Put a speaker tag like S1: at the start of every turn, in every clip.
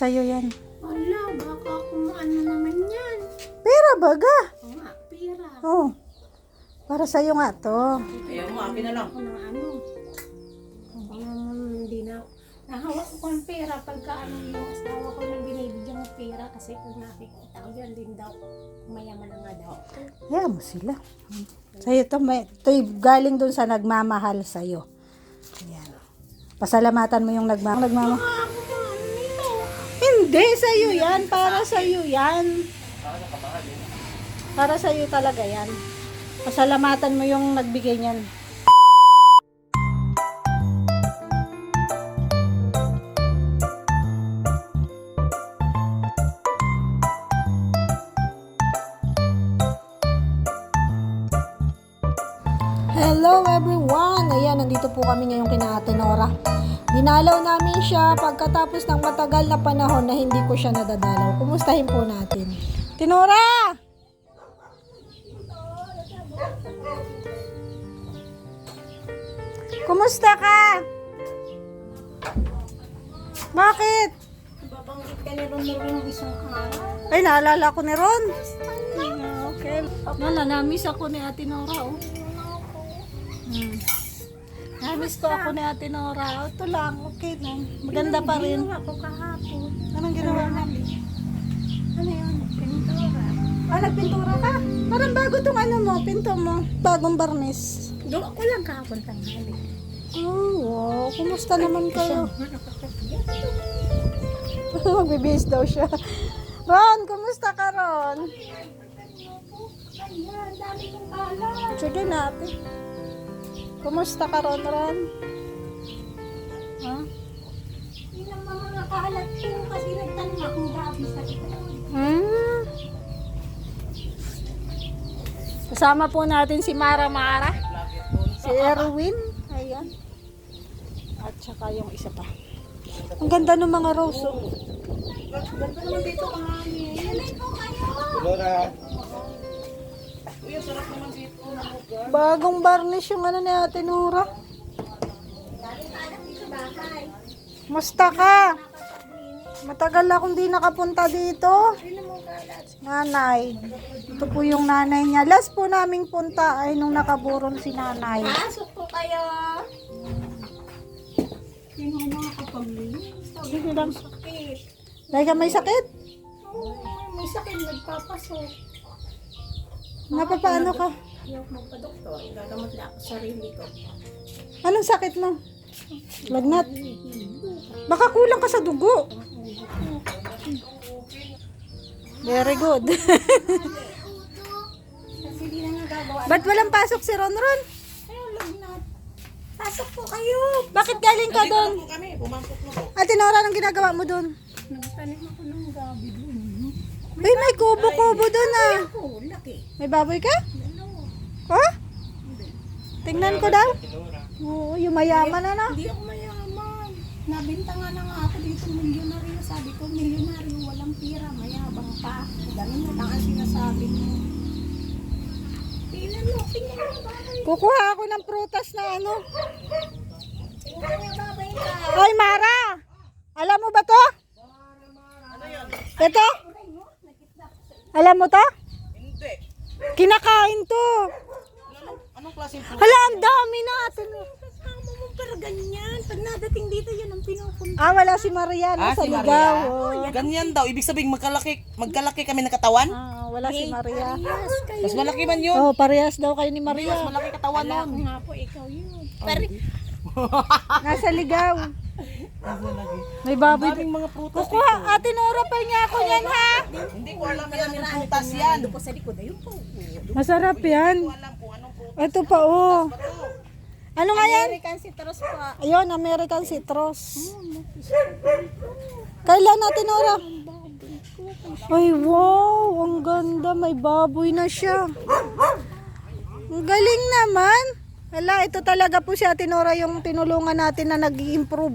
S1: Sa'yo yan.
S2: Wala, baka kung ano naman yan.
S1: Pera baga.
S2: Oo nga, pera.
S1: Oh. Para sa'yo nga to.
S3: Ayaw mo, akin na lang.
S2: Ako ng ano. Hindi na. Nahawak ko ang pera pagka ano yung asawa ko nang binibigyan ng pera kasi pag nakikita ko yan din daw. Mayaman na nga daw.
S1: Kaya mo sila. Sa'yo to, ito'y galing dun sa nagmamahal sa'yo. Ayan. Pasalamatan mo yung nagmamahal. Hindi, sa'yo yan. Para sa'yo yan. Para sa'yo talaga yan. Pasalamatan mo yung nagbigay niyan. Hello everyone! Ayan, nandito po kami ngayong kina Ate Nora. Dinalaw namin siya pagkatapos ng matagal na panahon na hindi ko siya nadadalaw. Kumustahin po natin. Tinora! Kumusta ka? Bakit?
S2: Babanggit ka ni Ron yung isang araw.
S1: Ay, naalala ko ni Ron. Okay. Namiss ako ni Ate Nora, oh. Namiss ko ako ni Ate Nora. Ito lang, okay lang. Maganda pa rin.
S2: Ginawa ko kahapon.
S1: Anong ginawa mo?
S2: Ano yun? Pintura.
S1: Ah, nagpintura ka? Parang bago tong ano mo, pinto mo. Bagong barnis.
S2: Gawa ko lang kahapon tanghali.
S1: Oh, wow. Kumusta naman kayo? Magbibihis daw siya. Ron, kumusta ka, Ron?
S2: Ayan, dami kong kalat.
S1: Sige natin. Kumusta ka, Ron? Ha?
S2: Yun ang mga kalat ko kasi nagtanong akong gabi sa likod.
S1: Kasama po natin si Mara, si Erwin, ayan, at saka yung isa pa. Ang ganda ng mga rose, oh.
S2: Ganda naman dito kami. Alay ko kayo!
S3: Uy, ang sarap naman dito na lugar.
S1: Bagong varnish yung ano ni Ate Nora. Musta ka? Matagal akong di nakapunta dito. Nanay. Ito po yung nanay niya. Last po naming punta ay nung nakaburol si nanay.
S2: Pasok po kayo! Sino ang mga kapaglinis?
S1: Sige lang.
S2: Sakit.
S1: Dahil ka may sakit?
S2: Oo, may sakit nagpapasok.
S1: Napapaano ka?
S2: Ayaw magpa-doktor. Gagamot lang ako sa sarili ko.
S1: Anong sakit mo? Lagnat. Baka kulang ka sa dugo. Very good.
S2: Kasi di na nagagawa.
S1: Ba't walang pasok si Ronron?
S2: Ayaw, lagnat. Pasok po kayo!
S1: Bakit galing ka doon?
S3: Po kami, pumasok na po.
S1: Ate Nora, anong ginagawa mo doon?
S2: Nagtanim ako ng gabi doon.
S1: Uy, may kubo-kubo doon ah.
S2: Oh, laki.
S1: May baboy ka?
S2: Dalawa.
S1: Ha? Tingnan ko daw. Oo, yung mayaman na.
S2: Hindi ako mayaman. Nabinta nga na nga ako dito milyonaryo. Sabi ko, milyonaryo, walang pira, mayabang pa. Ganun na lang ang sinasabi mo. Tingnan mo babay.
S1: Kukuha ako ng prutas na ano.
S2: Tingnan mo babay ka.
S1: Hoy, Mara! Alam mo ba to? Ito? Alam mo to?
S3: Hindi.
S1: Kinakain to.
S3: Anong klaseng po?
S1: Hala, ang dami natin.
S2: Kasama mo pero ganyan. Pag nadating dito, yan ang pinupunta.
S1: Ah, wala si Maria na sa
S3: si
S1: ligaw.
S3: Maria.
S1: Oh.
S3: Ganyan daw, ibig sabihin magkalaki kami ng katawan?
S1: Ah, wala si Maria.
S2: Yes, kayo.
S3: Mas malaki man yun.
S1: Oh, parehas daw kayo ni
S3: Mas
S1: Maria.
S3: malaki katawan
S2: Wala
S3: nun.
S2: ko nga po, ikaw yun. Pero,
S1: Nasa ligaw.
S3: Mas malaki.
S1: May baboy.
S3: Daming mga prutas dito.
S1: Kukuha, Ate Nora pa niya ako yan, ha?
S3: Hindi ko alam yan anong prutas yan.
S2: po sa likod, ayun po.
S1: Masarap yan.
S3: Hindi ko alam kung anong prutas.
S1: Ito pa, oh. Ano nga yan?
S2: American citrus pa.
S1: Ayun, American citrus. Kailan natin, Nora? Ay, wow. Ang ganda. May baboy na siya. Ang galing naman. Hala, ito talaga po si Ate Nora yung tinulungan natin na nag-i-improve.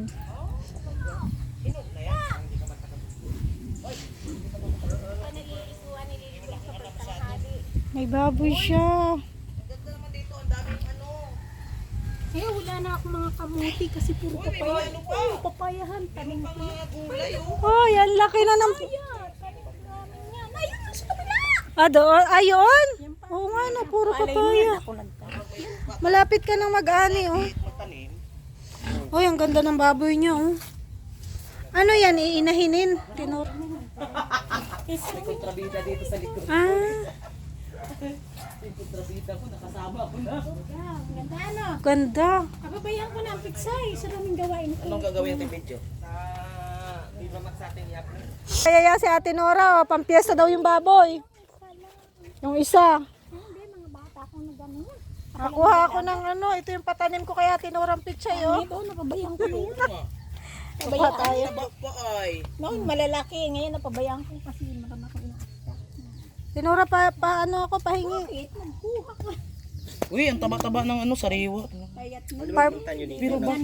S1: May baboy siya.
S3: Ganda naman dito, ang daming ano.
S2: Eh, wala na ako mga kamuti kasi puro papaya. Oo, papayahan. Tanim ko.
S3: Mga gulay, oh.
S1: Oh, yan laki na ng...
S2: Ayan, tanim namin yan. Ayun, nasa kabila.
S1: Ah, doon? Ayun? Oo nga no, puro
S2: Alay,
S1: papaya.
S2: ako nagtanim.
S1: Malapit ka ng mag-ani, oh.
S3: Matanim.
S1: Oh, ang ganda ng baboy niya, oh. Ano yan, iinahinin? Tinor.
S3: May kontrabida dito sa likod.
S1: Ah,
S3: May kontrabida ko, nakasama ko na.
S2: Yeah, ganda ano.
S1: ganda.
S2: Kababayan ko na ang piksay. Sa daming gawain ko.
S3: Anong gagawin natin video? Viva Max sa atin i-upload.
S1: Kaya yan si Ate Nora, oh, pampiesta daw yung baboy. Yung isa.
S2: Hindi, mga bata akong nagano yan.
S1: Nakuha ako ng ano, ito yung patanim ko kay Ate Nora ang pichay, oh.
S2: Ito, napabayaan ko na yan.
S1: Kuha tayo.
S3: Taba pa ay.
S2: Noon, malalaki. Ngayon, napabayaan ko kasi marama ko ina.
S1: Tinora paano ako pahingi.
S2: Bakit? Nagkuha ko.
S3: Uy, ang taba-taba ng ano, sariwa.
S2: Kaya't mo.
S1: Farm,
S3: Pero ba?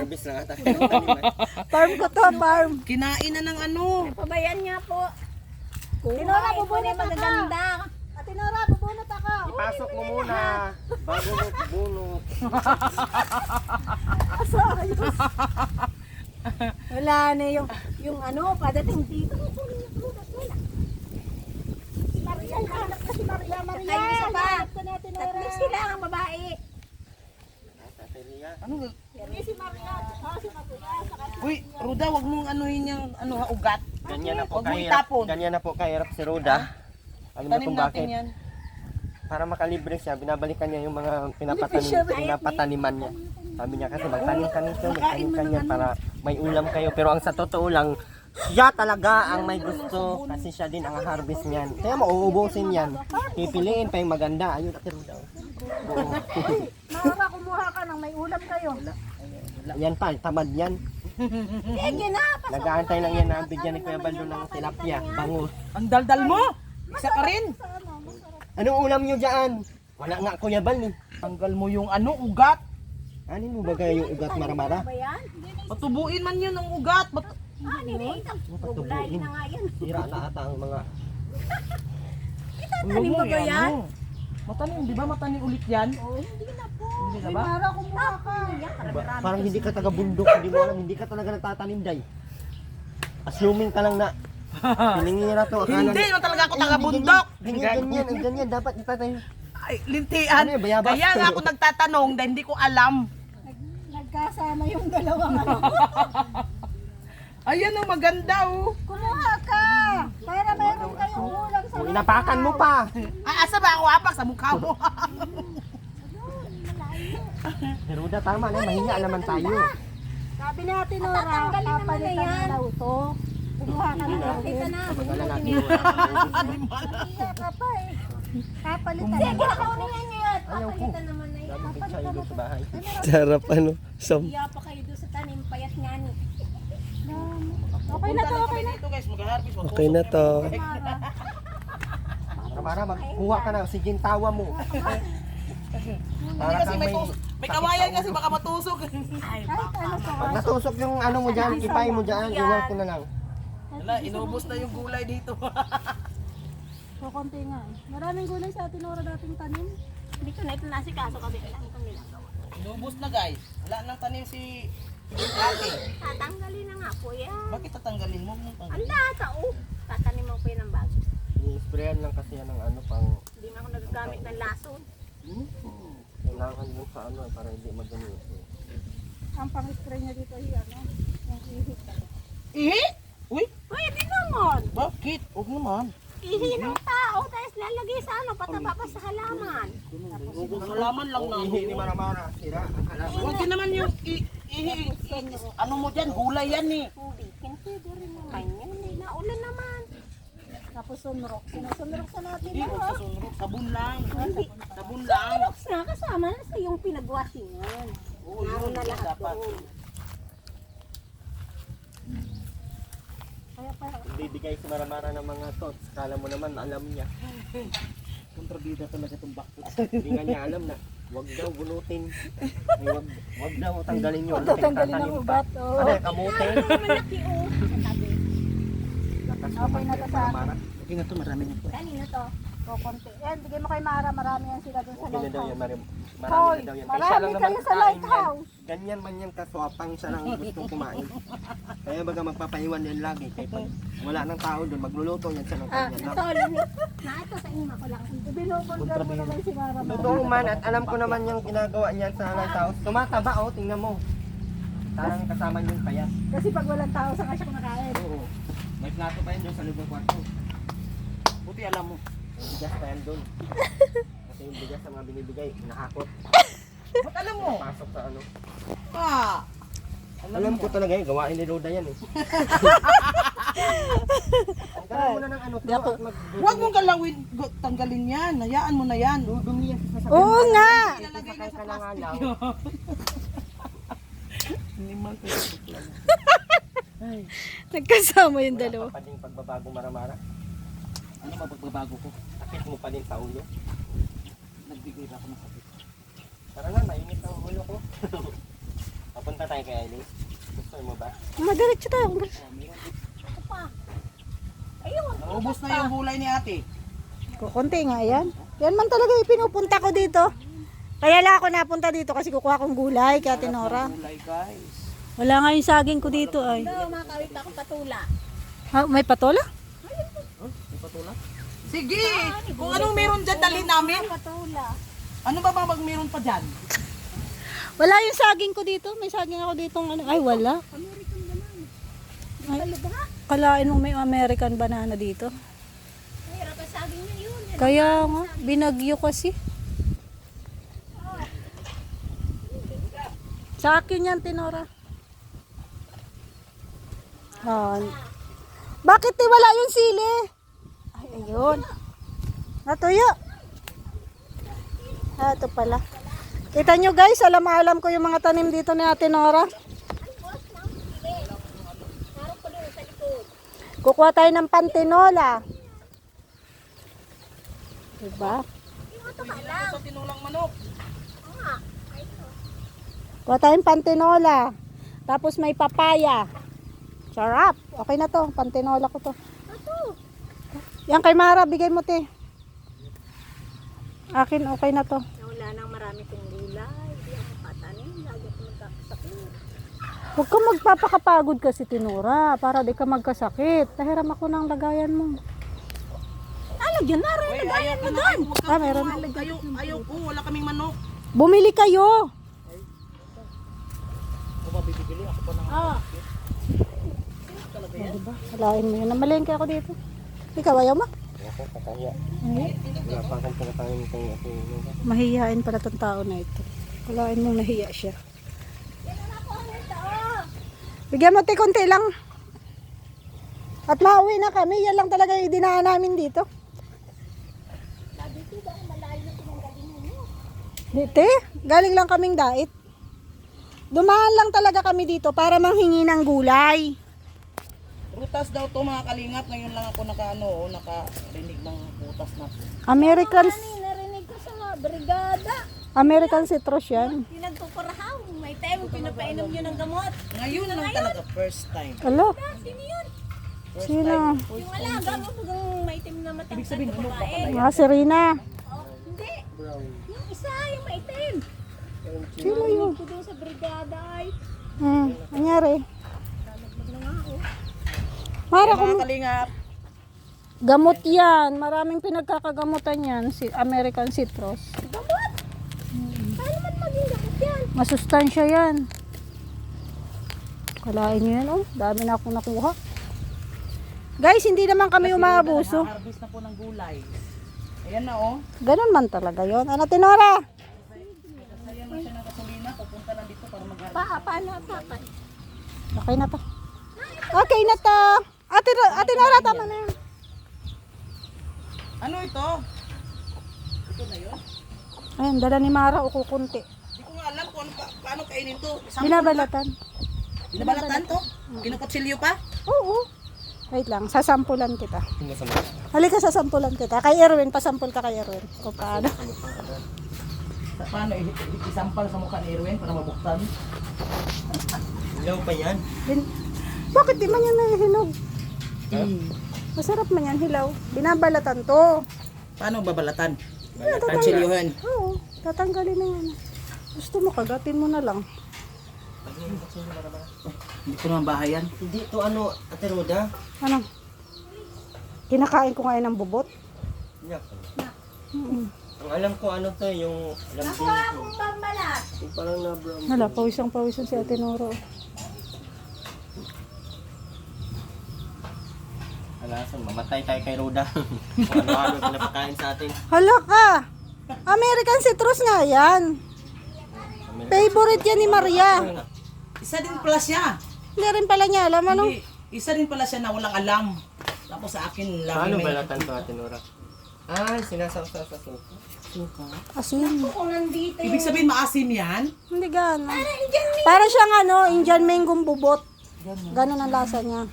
S1: farm ko to, farm.
S3: Kinain na ng ano.
S2: Pabayaan niya po.
S1: Tinora, bubunot ako.
S2: magaganda.
S1: Ate Nora, bubunot ako.
S4: Ipasok mo muna bago mo bunot.
S2: Wala na yung ano, padating dito. Kukunin niya po. Wala. Si Maria, hanap na si Maria. Maria, isa pa. Tatlo sila ang babae.
S3: Ano?
S2: Hindi si Maria. Si Maria.
S3: Uy, Ruda, wag mong anuhin yung ano, ha, ugat.
S4: Ganyan na po
S3: Huwag mo
S4: kahirap.
S3: itapon.
S4: Ganyan na po kahirap si Roda. Alam mo
S3: Tanim
S4: kung
S3: natin
S4: bakit?
S3: yan.
S4: Para makalibre siya, binabalikan niya yung mga pinapataniman niya. Sabi niya kasi magtanim ka nito, magtanim ka niyan para may ulam kayo. Pero ang sa totoo lang, siya talaga ang may gusto kasi siya din ang harvest niyan. Kaya mauubusin yan. Pipiliin pa yung maganda. Ayun, Ate Roda.
S1: Nora, kumuha ka ng may ulam kayo.
S4: Yan pa, tamad yan.
S2: Sige na.
S4: Nag-aantay lang yan na bigyan ni Kuya Baldo ng tilapia, bangus.
S3: Ang daldal mo. Isa ka rin.
S4: Anong ulam niyo dyan? Wala nga Kuya Bal eh.
S3: Tanggal mo yung ano, ugat.
S4: Anin mo ba kaya yung ugat maramara?
S2: Ba yan?
S3: Patubuin man yun ang ugat.
S2: Ano na ito?
S4: Patubuin.
S2: na nga yan.
S4: Tira na ata ang mga...
S2: Tanim ba yan?
S3: Matanim, di ba matanim ulit yan?
S2: Oh, hindi na po.
S3: Hindi na ba?
S1: Nora, kumuha ka.
S4: Parang hindi ka taga-bundok, hindi mo alam, hindi ka talaga nagtatanim, day. Assuming ka lang na piningira to.
S3: Hindi naman talaga ako taga-bundok.
S4: Ganyan, ganyan, dapat itatanim.
S3: Ay, lintian.
S4: Ano yun, bayabas?
S3: Kaya nga ako nagtatanong dahil hindi ko alam.
S2: Nagkasama yung dalawang ano.
S3: Ayan ang maganda oh.
S1: Kumuha ka. Para mayroon kayong ulam sa...
S4: O, inapakan mo pa.
S3: Ay, asa ba ako apak sa mukha mo?
S4: Heruda, tama na, mahinga naman tayo.
S1: Sabi ni Ate Nora,
S2: Tatanggalin naman na
S1: papalitan
S2: yan.
S1: na daw to. Kumuha ka na daw.
S2: Kita na.
S4: Magala na,
S1: Iya ka pa eh. Papalitan na.
S2: Sige, kunin niya yan.
S4: Ayaw ko.
S2: Papalitan naman na yan.
S4: Dami pizza ilo sa bahay.
S5: Sarap ano, som.
S2: Iya pa kayo doon sa tanim, payat nga ni.
S1: Okay na to, okay na.
S3: Dito guys, mag-harvest.
S5: Okay na to.
S4: Maramara, magkuha ka na, oxygen tawa mo. Para
S3: Kasi
S4: kang
S3: may kawayan kasi baka matusok.
S2: Ay,
S4: Pag natusok yung ano mo dyan, ipay mo dyan, iwan ko na lang.
S3: Wala, inubos na yung gulay dito.
S1: So, konti nga. Maraming gulay sa Ate Nora dating tanim.
S2: Hindi ko na ito nasikaso kasi alam ko ginagawa.
S3: Inubos na guys. Wala nang tanim si ate.
S2: Tatanggalin na nga po yan.
S3: Bakit tatanggalin mo? Huwag mong
S2: Ang
S3: tanggalin.
S2: lata, oh. Tataniman ko yan ng bago.
S4: I-sprayan lang kasi yan ng ano pang...
S2: Hindi na ako nagagamit ng lason.
S4: Kailangan mo sa ano para hindi maganito.
S1: Ang pang-spray niya dito ay ano, yung ihip.
S3: Ihi? Uy,
S2: Pwede naman.
S3: bakit? Huwag naman.
S2: Ihi ng tao, tapos lalagay sa ano, pataba pa sa halaman.
S3: Halaman lang na.
S4: Ihi ni Maramara, sira ang halaman.
S3: Huwag din naman yung ano mo dyan, gulay yan eh.
S2: Tubikin, pwede rin naman yan. Eh, naulan naman.
S1: Tapos sunrock. Sinusunrock sa natin.
S3: Hindi,
S1: Ano?
S3: huwag sa sunrok. Sabon lang.
S2: Hindi.
S3: Sabon lang.
S2: Tapos na, kasama na sa yung pinagwasingan.
S3: Oo,
S2: Naroon
S3: yun
S2: na lahat
S3: dapat.
S2: doon.
S1: Kaya pa,
S4: Bibigay si Maramara ng mga thoughts. Kala mo naman, alam niya.
S3: Kontrabida talaga itong bakit.
S4: Hindi nga niya alam na wag daw bunutin. Ay, wag daw tanggalin yun.
S1: tatanggalin ang ubat. Oh.
S4: Ano, kamote.
S2: Malaki, oh. Sa tabi.
S4: Lakas
S1: Okay na to sa
S4: Maramara.
S3: Okay na to, marami na po.
S2: Kanina to.
S1: Kukunti. Yan, bigay mo kay Mara. Marami yan sila dun sa
S4: Okay na daw yan,
S1: lighthouse.
S4: marami
S1: Hoy,
S4: na daw yan.
S1: marami
S4: Kaya siya lang
S1: kayo
S4: naman
S1: sa
S4: kakain
S1: lighthouse.
S4: yan. Ganyan man yan kaswapang siya lang gustong kumain. Kaya baga magpapaiwan yan lagi. Kaya pag wala ng tao doon, magluluto yan siya ng
S2: Ah,
S4: kanya lang.
S2: ito, limit. Na ito sa inyo ko lang.
S1: Binubulgar mo naman si Mara.
S4: Totoo man at alam ko naman yung ginagawa niyan sa lighthouse. Tumataba oh, tingnan mo. Parang kasama niyo yung payat.
S1: Kasi pag walang tao, saka siya kumakain.
S4: Oo. May plato pa yan doon sa loob ng kwarto.
S3: Buti alam mo.
S4: May bigas pa yan doon. Kasi yung bigas na mga binibigay, nakakot.
S3: Ba't alam mo?
S4: Pasok sa ano.
S3: Ah.
S4: Alam ko talaga yun, gawain ni Roda yan eh. Tanggalin mo na ng ano to at
S3: Huwag mong galawin, tanggalin yan. Hayaan mo na yan.
S4: dudumi yan sa sasabihin.
S1: Oo nga!
S4: Sasakay ka na nga lang.
S3: Hindi man ko.
S1: Nagkasama yung dalawa.
S4: Wala pa din pagbabago maramara.
S3: Ano mapagbabago ko?
S4: Sakit mo pa din sa ulo.
S3: Nagbigay na ako ng sakit.
S4: Tara nga, mainit ang ulo ko. Papunta tayo kay Aileen. Gusto mo ba?
S1: Madiretso tayo.
S2: Ayun.
S3: Naubos na yung gulay ni ate.
S1: Kukunti nga yan. Yan man talaga yung pinupunta ko dito. Kaya lang ako napunta dito kasi kukuha kong gulay kay Ate Nora.
S3: Gulay guys.
S1: Wala nga yung saging ko dito ay.
S2: Ito, makawit ako patula.
S1: Ha, may patola?
S3: Sige! Kung anong meron dyan, dalhin namin.
S2: Patula.
S3: Ano ba ba meron pa dyan?
S1: Wala yung saging ko dito. May saging ako dito. Ano? Ay, wala. Ay, kalain mo may American banana dito.
S2: Mahirap ang saging na yun.
S1: Kaya nga, binagyo kasi. Sa akin yan, Tinora. Bakit wala yung sili? Ay, ayun. Natuyo. Ito pala. Kita nyo guys, alam ko yung mga tanim dito ni Ate Nora. Kukuha tayo ng pantinola. Diba?
S3: Sa tinulang manok.
S1: Kuha tayong pantinola. Tapos may papaya. Sarap. Okay na to. Pantinola ko to. Yan kay Mara, bigay mo te. Akin okay na to.
S2: Wala nang marami kong gulay. Hindi ako patanin. Lagi ako magkakasakit.
S1: Huwag ka magpapakapagod kasi Tinora. Para di ka magkasakit. Tahiram ako ng lagayan mo.
S2: Alagyan na rin.
S3: Uy, ayaw ko na.
S1: Ah, meron.
S3: Ayaw ko. Wala kaming manok.
S1: Bumili kayo.
S3: Ako ba bibili? Ako pa nang
S1: Diba? Walain mo yun. Namalengke ako dito. Ikaw ayaw mo?
S4: Ako, kakahiya. Wala pa akong pinakain kay Ate Roda.
S1: Mahihiyain pala tong tao na ito. Walain mo nahiya siya. Bigyan mo te konti lang. At mauwi na kami. Yan lang talaga yung dinaan namin dito. Dito galing lang kaming dait. Dumaan lang talaga kami dito para manghingi ng gulay.
S3: Rutas daw to mga kalingap. Ngayon lang ako nakarinig ng rutas na to.
S2: Narinig ko sa mga brigada.
S1: American citrus yan.
S2: Pinagpupurahaw. May time pinapainom yun ng gamot.
S3: Ngayon lang talaga. First time.
S1: Alo,
S2: Sino yun?
S1: sino?
S2: Yung alaga mo pag maitim na matangkad na babae.
S1: Mga Serena.
S2: Oh, hindi. Yung isa, yung maitim.
S1: Sino yun?
S2: Ito doon sa brigada ay.
S1: Nangyari.
S2: Nalaglag na nga ako.
S1: Mara,
S3: Mga kalingap.
S1: gamot yan. Maraming pinagkakagamutan yan. Si American citrus.
S2: Gamot? Paano man maging gamot yan?
S1: Masustansya yan. Kalain nyo yan, oh. Dami na akong nakuha. Guys, hindi naman kami umaabuso.
S3: Harvest na po ng gulay. Ayan na oh.
S1: Ganun man talaga yon. Ano, Tinora?
S3: Ayan na siya ng gasolina. Pupunta na dito para mag-harvest.
S2: Paano?
S1: Okay na to. Okay na to. Ate Nora, tama na yan.
S3: Ano ito? Ito na yun?
S1: Ayun, dala ni Mara o kukunti.
S3: Hindi ko nga alam kung paano kainin to.
S1: Binabalatan.
S3: Binabalatan to? Kinukutsilyo pa?
S1: Oo. Wait lang, sasampulan kita.
S4: Tingnan sa mga.
S1: Halika, sasampulan kita. Kay Erwin, pasampul ka kay Erwin. O paano?
S3: Paano isampal sa mukha ni Erwin para mabuktan?
S4: Ilaw pa yan.
S1: Bakit di man yan nahihinog? Masarap man yan, hilaw. Binabalatan to.
S3: Paano babalatan?
S4: Balatan.
S3: Kutsilyohan.
S1: Oo, tatanggalin na yan. Gusto mo, kagatin mo na lang.
S3: Hindi ko naman bahay yan.
S4: Hindi to ano, Ate Roda.
S1: Ano? Kinakain ko ngayon ng bubot.
S4: Yak.
S1: Mm-mm.
S4: Ang alam ko ano to, yung alam ko.
S2: Akong pambalat.
S4: Yung parang na-brown.
S1: Hala, pawisang-pawisan si Ate Nora.
S4: Alasan, mamatay tayo kay Roda. Kung ano-ano pinapakain sa atin.
S1: Hala ka! American citrus nga yan. Favorite yan ni Maria.
S3: Isa din pala siya.
S1: Hindi rin pala niya alam ano.
S3: Hindi, isa din pala siya na walang alam. Tapos sa akin lang.
S4: Paano balatan to, Ate Nora? Ah, sinasawsaw sa suka.
S3: Suka.
S1: Asin.
S2: Kung nandito
S3: Ibig sabihin maasim yan?
S1: Hindi gana. Para siyang ano, Indian mango bubot. Ganon ang lasa niya.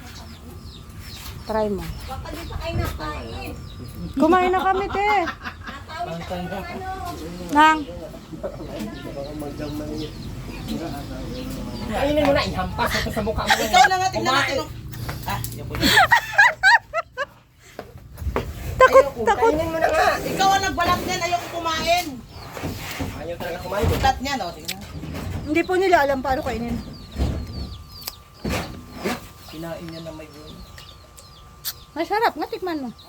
S1: Try mo.
S2: baka di pa kayo nakain.
S1: Kumain na kami, te. Nang,
S4: Kainin mo na, ihampas ito sa mukha mo.
S3: Ikaw na nga, tignan natin. Yan po yun.
S1: takot.
S4: Kainin mo na nga.
S3: Ikaw ang nagbalat niyan, ayoko kumain.
S4: Ayaw talaga kumain.
S3: Balat niyan, o. Tingnan.
S1: Hindi po nila alam paano kainin.
S3: Kinain niya na may bunga.
S1: Masarap, nga tikman mo.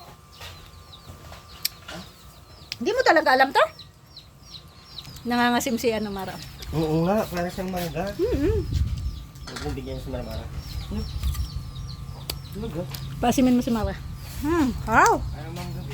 S1: Hindi mo talaga alam to? Nangangasim si ano, Mara.
S4: Oo nga, para siyang mangga. Huwag mong bigyan sa Mara.
S1: Pasimin mo si Mara. Wow.
S4: Ayaw mangga.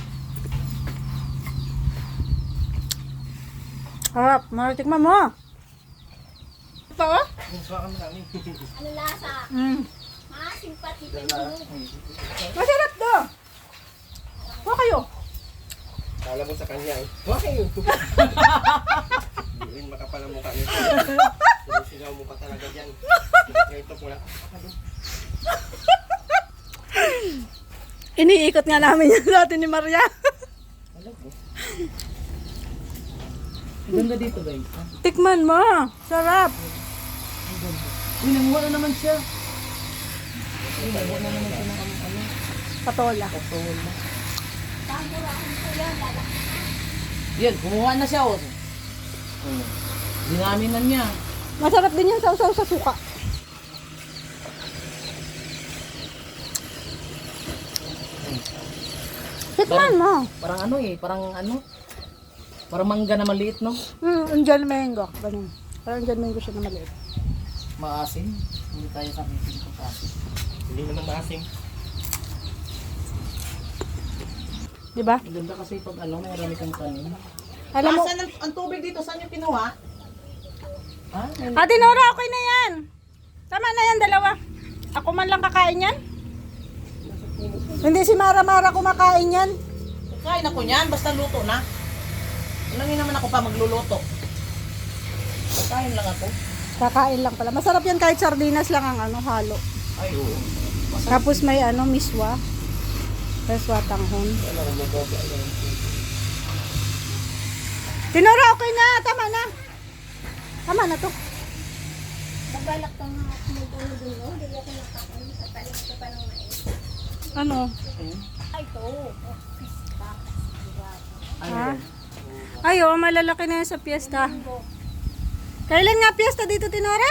S1: Harap, Mara, tikman mo. Pa, oh?
S4: Suka ka marami.
S2: Ano lasa? Maasim pati pa
S1: Masarap to. Huwag kayo.
S4: Kala mo sa kanya eh. Huwag kayo. Hindi rin makapal ang mukha nito. Sinisigaw mo pa talaga dyan. Ito pula.
S1: Iniikot nga namin yan dati ni Maria.
S3: Ganda dito, guys.
S1: Tikman mo. Sarap.
S3: Uy, nanguha na naman siya.
S1: Patola.
S3: Yan, kumuha na siya, o. Dinamin na niya.
S1: Masarap din yan sausaw sa suka. Tikman mo.
S3: Parang ano eh, parang ano. Parang mangga na maliit, no?
S1: Indian mango. Ganun. Parang Indian mango siya na maliit.
S3: Maasim. Hindi tayo sa meeting ko kasi.
S4: Hindi naman maasim.
S1: Diba?
S3: Ang ganda kasi pag ano, may marami kang tanim.
S1: Alam mo,
S3: Saan ang tubig dito? Saan yung kinuha? Ha?
S1: Ate Nora, okay na yan. Tama na yan, dalawa. Ako man lang kakain yan. Hindi si Mara kumakain yan.
S3: Kain ako niyan, basta luto na. Ulangin naman ako pa magluluto. Kain lang ako.
S1: Kakain lang pala. Masarap yan kahit sardinas lang ang ano, halo.
S3: Ay, oo.
S1: Tapos may ano, miswa. Miswa tanghon. Tinora, okay na. Tama na. Tama na to.
S2: Nabalak ka nga ako mag-ulo dun, no? Hindi ako nakakain sa talim ko pa ng mais.
S1: Ano?
S2: Ay, ito.
S1: Ha? Ay, oh, malalaki na yan sa piyesta. Kailan nga piyesta dito, Tinora?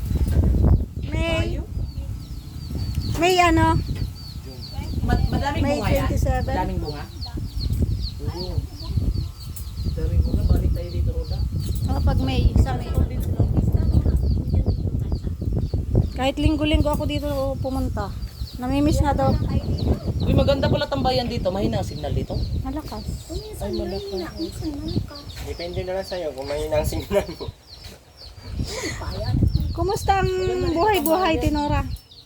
S1: May ano?
S3: Madaming
S1: May
S3: bunga yan?
S1: 27.
S3: Madaming bunga? Oo. Madaming bunga, balik tayo dito, Roda.
S1: Oh, pag May, sa May. Kahit linggo-linggo ako dito pumunta. Namimiss nga daw.
S3: Uy, maganda pala tambayan dito. Mahina ang signal dito.
S1: Malakas.
S3: Ay, malaki.
S4: Depende na lang sa'yo kung may nang signal mo.
S1: Kumusta ang buhay-buhay, Tinora?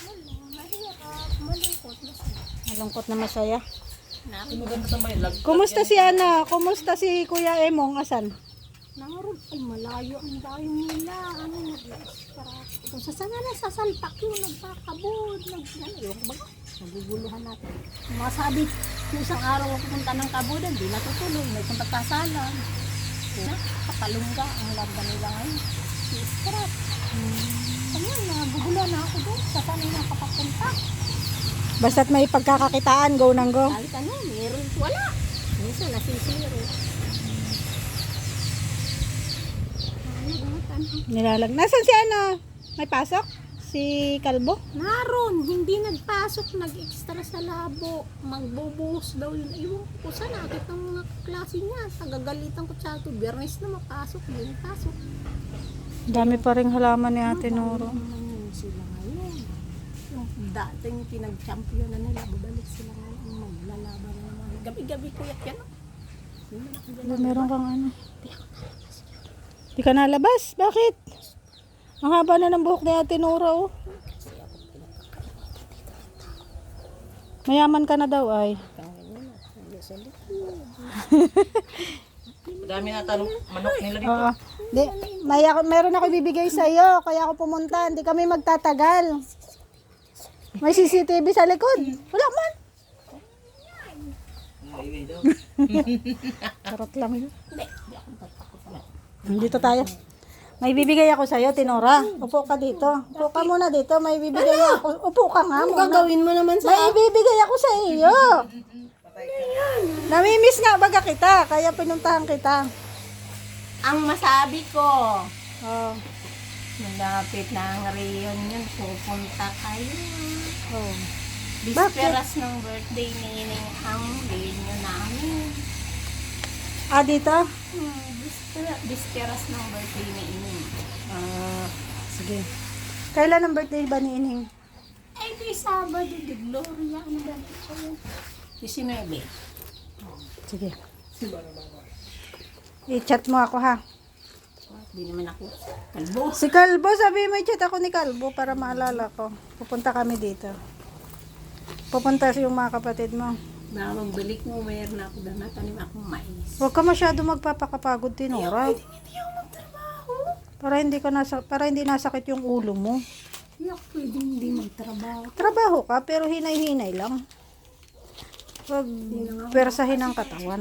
S1: Malungkot na masaya.
S3: Uy, maganda tambayan.
S1: Kumusta si Ana? Kumusta si Kuya Emong? Asan?
S2: Naroon ay malayo ang dayo nila. Ano para kung sa sana na sasalpak yun, nagpakabod, yung baga, naguguluhan natin. Mga sabi, yung isang araw ako punta ng kabudan, di natutuloy, may kung pagkasalan. Katalungga ang larga nila ngayon. Iskrap. Ayun, naguguluhan na ako doon. Sa sana na papapunta.
S1: Basta't may pagkakakitaan, go nang go.
S2: Kahit ano, meron, wala. Minsan nasisiro.
S1: Nilalag. Nasaan si ano? May pasok? Si Kalbo?
S2: Naroon, hindi nagpasok, nag-extra sa labo. Magbubuhos daw yun. Ewan ko sa nakit ng mga klase niya. Tagagalitan ko siya ito. Biyernes na mapasok, hindi pasok.
S1: Dami pa rin halaman ni Ate Noro.
S2: Naman sila ngayon. Yung dating pinag-champion na nila, babalik sila ngayon. Maglalaban na naman. Gabi-gabi ko yan.
S1: Meron kang ano? Di ka nalabas? Bakit? Ang haba na ng buhok ni Ate Nora, oh. Mayaman ka na daw, ay.
S3: Dami na tanong manok nila dito.
S1: Oo. Di, meron ako ibibigay sa iyo, kaya ako pumunta. Hindi kami magtatagal. May CCTV sa likod. Wala man. Charot lang yun. Dito tayo. May bibigay ako sa iyo, Tinora. Upo ka dito. Upo ka muna dito. May bibigay ako. Upo ka nga muna.
S2: Gagawin mo naman sa...
S1: May ibibigay ako sa iyo. Namimiss nga baga kita, kaya pinuntahan kita.
S2: Ang masabi ko,
S1: Oh.
S2: malapit na ang reunion, pupunta kayo.
S1: Oh.
S2: Bisperas ng birthday ni Ining ang reunion namin.
S1: Ah, dito?
S2: Bisperas ng birthday ni Ining.
S1: Sige. Kailan ang birthday ba ni Ining?
S2: Ay, di Sabado, di Gloria, ano ba ito? 19.
S1: Sige. I-chat mo ako ha.
S2: Di naman ako kalbo.
S1: Si Kalbo, sabi may chat ako ni Kalbo para maalala ko. Pupunta kami dito. Pupunta yung mga kapatid mo.
S2: Na magbalik mo, mayroon na ako na natanim akong mais.
S1: Huwag ka masyado magpapakapagod, Tinora.
S2: Hindi ako magtrabaho.
S1: Para hindi nasakit yung ulo mo.
S2: Hindi ako pwede hindi magtrabaho.
S1: Trabaho ka, pero hinay-hinay lang. Huwag persahin ang katawan.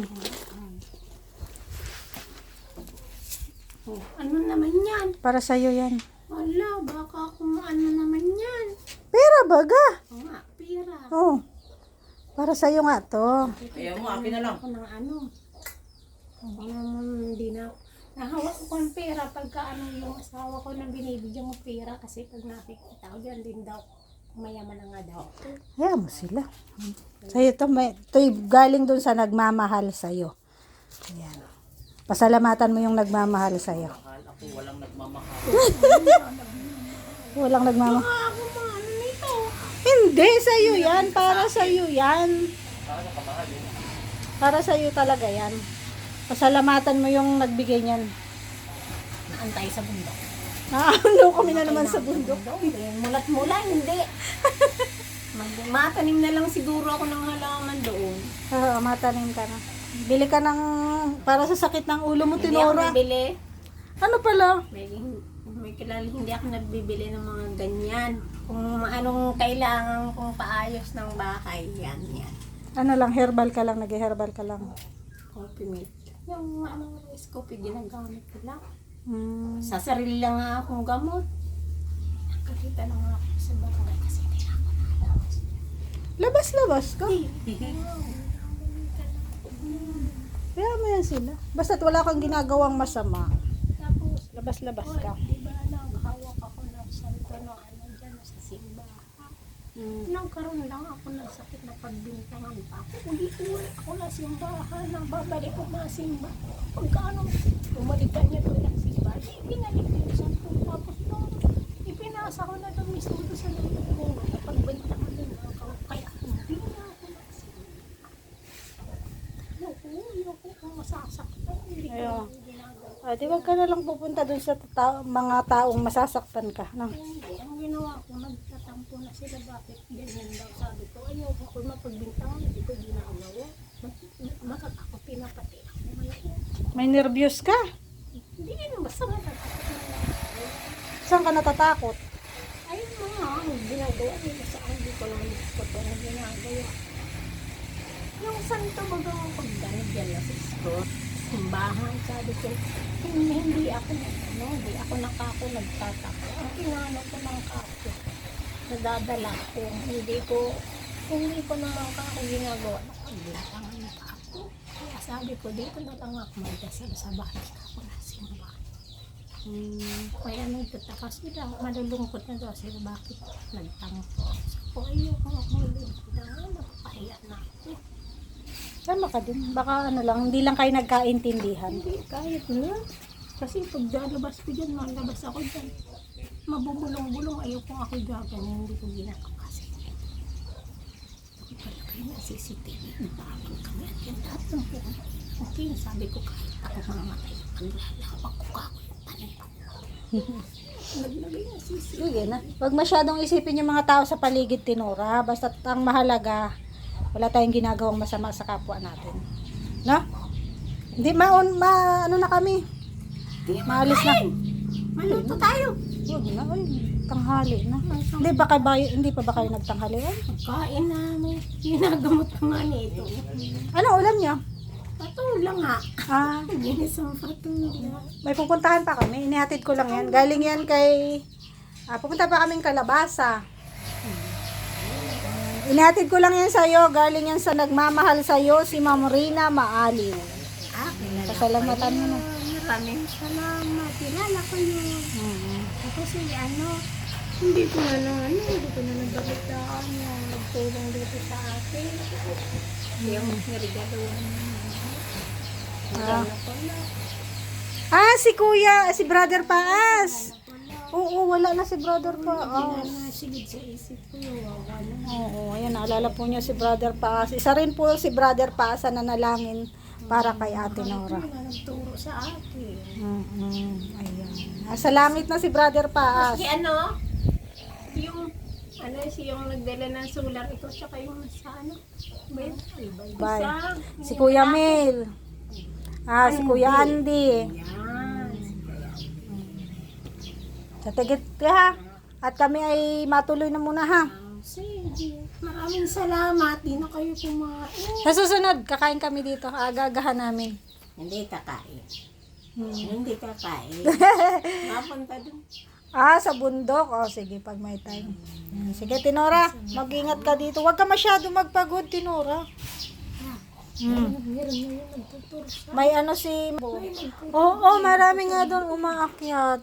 S2: Oh, ano naman yan?
S1: Para sa'yo yan.
S2: Wala, baka kung ano naman yan.
S1: Pera baga.
S2: Oo nga, pira.
S1: Oh. Para sa'yo nga to.
S3: Ayaw mo, akin na lang.
S2: Ako ng ano. Hindi na. Nahawak ko ang pera pagka ano yung asawa ko nang binibigyan mo pera kasi pag nakikita ko dyan din daw mayaman na nga daw.
S1: Hayaan mo sila. Sa'yo to, to'y galing dun sa nagmamahal sa'yo. Ayan. Pasalamatan mo yung nagmamahal sa'yo.
S3: Mahal ako, walang nagmamahal.
S1: Walang nagmamahal.
S2: Ako mga ano nito.
S1: Hindi, sa'yo yan. Para sa'yo yan. Para sa'yo talaga yan. Pasalamatan mo yung nagbigay niyan.
S2: Naantay sa bundok.
S1: Ano kami na naman sa bundok.
S2: Mulat-mula, hindi. Matanim na lang siguro ako ng halaman doon.
S1: Oo, matanim ka na. Bili ka ng, para sa sakit ng ulo mo,
S2: Hindi ako
S1: Tinora.
S2: nabili.
S1: Ano pala?
S2: May kilala, hindi ako nagbibili ng mga ganyan. Kung anong kailangan kong paayos ng bahay, yan.
S1: Ano lang, herbal ka lang, nag-herbal ka lang.
S2: Coffee milk. Yung anong rice coffee, ginagamit ko lang.
S1: Hmm.
S2: Sa sarili lang nga akong gamot. Nakakita na nga ako sa barangay kasi hindi na ako nalabas.
S1: Labas-labas ka. Kaya mo yan sila. Basta't wala kang ginagawang masama.
S2: Tapos,
S1: Labas-labas ka.
S2: di ba naghawak ako ng santo no ano dyan sa simbahan. Nagkaroon lang ako ng sakit na pagbintangan pa. Uli-uli ako na simbahan. Nang babalik ko mga simba. Pagkaano, bumalikan niya doon ang simbahan. Binalik ko yung santo. Tapos nung ipinasa ko na doon mismo doon sa lupa ko. Napagbintangan din ako. Kaya hindi na ako nagsimba. Ayoko kung masasaktan. Hindi ko
S1: Ayun.
S2: ginagawa.
S1: Di wag ka na lang pupunta dun sa mga taong masasaktan ka. No?
S2: Hindi, ang ginawa ko, nagtatampo na sila. Bakit ganyan daw? Sabi ko, ayoko ko mapagbintangan. Hindi ko ginagawa. Matatakot, pinapati ako ngayon.
S1: May nervyos ka.
S2: Hindi naman, basta matatakot na lang.
S1: Saan ka natatakot?
S2: Ay, mga ginagawa nila sa akin. Hindi ko lang gusto ko na ginagawa. Yung santo baga ang pagdanig yan na sa school. Simbahan, sabi ko, hindi ako nagtatako. Ang inano ko ng kapo, nadadala ko, hindi ko Kung hindi ko naman ako ginagawa, nakabintangan pa ako. Kaya sabi ko, dito na lang ako magdasal sa bahay ka. Wala simba. Kaya nagtataka sila, malulungkot na daw sila, bakit nagtampo. So, ko ayoko ako malulungkot na, napapahiya na ako.
S1: Tama ka din. Baka ano lang, hindi lang kayo nagkaintindihan.
S2: Hindi, kahit na. Kasi pag lalabas ko dyan, malabas ako dyan. Mabubulong-bulong, ayoko ako gagan, hindi ko ginagawa kasi. Pala kayo na CCTV, nababang kami at yan lahat ng buong. Okay, sabi ko kahit ako mamatay, paglalawak ko ako yung tanin ko. Naglagay na CCTV.
S1: Sige na. Huwag masyadong isipin yung mga tao sa paligid, Tinora. Basta ang mahalaga, wala tayong ginagawang masama sa kapwa natin. No? Hindi, ano na kami. Maalis na.
S2: Maluto tayo.
S1: Huwag na, ay, tanghali na. Hindi pa ba kayo nagtanghali? Ay,
S2: Kain namin. Ginagamot ko nga nito.
S1: ano ulam niya?
S2: Patula nga.
S1: Ah,
S2: Ginisang patula.
S1: may pupuntahan pa kami. Inihatid ko lang yan. Galing yan kay... pupunta pa kaming Kalabasa. Inihatid ko lang yan sa'yo. Galing yan sa nagmamahal sa'yo, si Ma'am Rina Maaliw. Pasalamatan mo na.
S2: Maraming salamat. Kilala ko yun. Kasi hindi ko na nabalitaan yung nagtulong dito sa akin. Yung narigaluhan
S1: Si Kuya, si Brother Paas. Oo, wala na si Brother Paas.
S2: Nasigid sa isip ko yung wala.
S1: Oo, ayan, naalala po niyo si Brother Paas. Isa rin po si Brother Paas na nanalangin para kay Ate Nora.
S2: Nagturo sa akin.
S1: Ayan. Nasa langit na si Brother Paas.
S2: Kasi yung nagdala ng solar ito, tsaka yung sa
S1: Bye. Si Kuya Mel. Si Kuya Andy.
S2: Yan.
S1: Sa tigit ka ha. At kami ay matuloy na muna ha.
S2: Sige. Maraming salamat. Di na kayo kumain.
S1: Sa susunod, kakain kami dito. Agagahan namin.
S2: Hindi kakain. Hindi kakain. Mapunta dun.
S1: Sa bundok. Sige, pag may time. Sige, Tinora. Mag-ingat ka dito. Huwag ka masyado magpagod, Tinora.
S2: Meron na yun nagtuturo sa
S1: May si... Oo, marami nga doon umaakyat.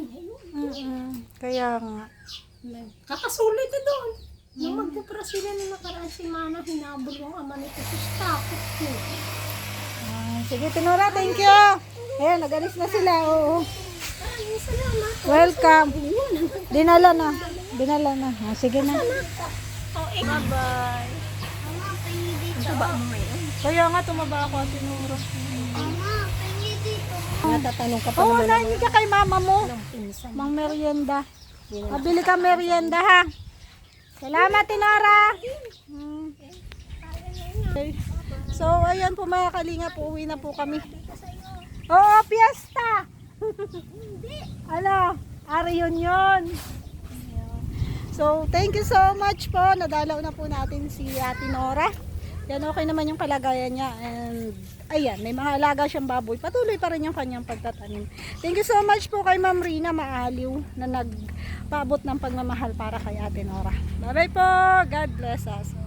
S1: Kaya nga.
S2: kakasulit na doon. Nung magpupra sila nung nakaraan si Mana, hinabol yung ama nito sa takot ko.
S1: Sige, Tinora, thank you. Ayan, nag-alis na sila. Oo.
S2: Maraming salamat.
S1: Welcome. Dinala na. Sige na.
S2: Bye-bye. Taba mo ngayon.
S1: Kaya nga, tumaba ako, Tinora.
S2: Natatanong ka pa
S1: Oo, nahin ka kay mama mo.
S2: ng pinsan.
S1: Mang merienda. Mabili ka merienda, ha? Salamat, Tinora. Okay. So, ayan po mga kalinga po. Uwi na po kami. Oo, piyesta. Reunion. So, thank you so much po. Nadalaw na po natin si Ate Nora. Yan, okay naman yung kalagayan niya. And, ayan, may mga alaga siyang baboy. Patuloy pa rin yung kanyang pagtatanim. Thank you so much po kay Ma'am Rina Maaliw na nagpaabot ng pagmamahal para kay Ate Nora. Bye-bye po. God bless us.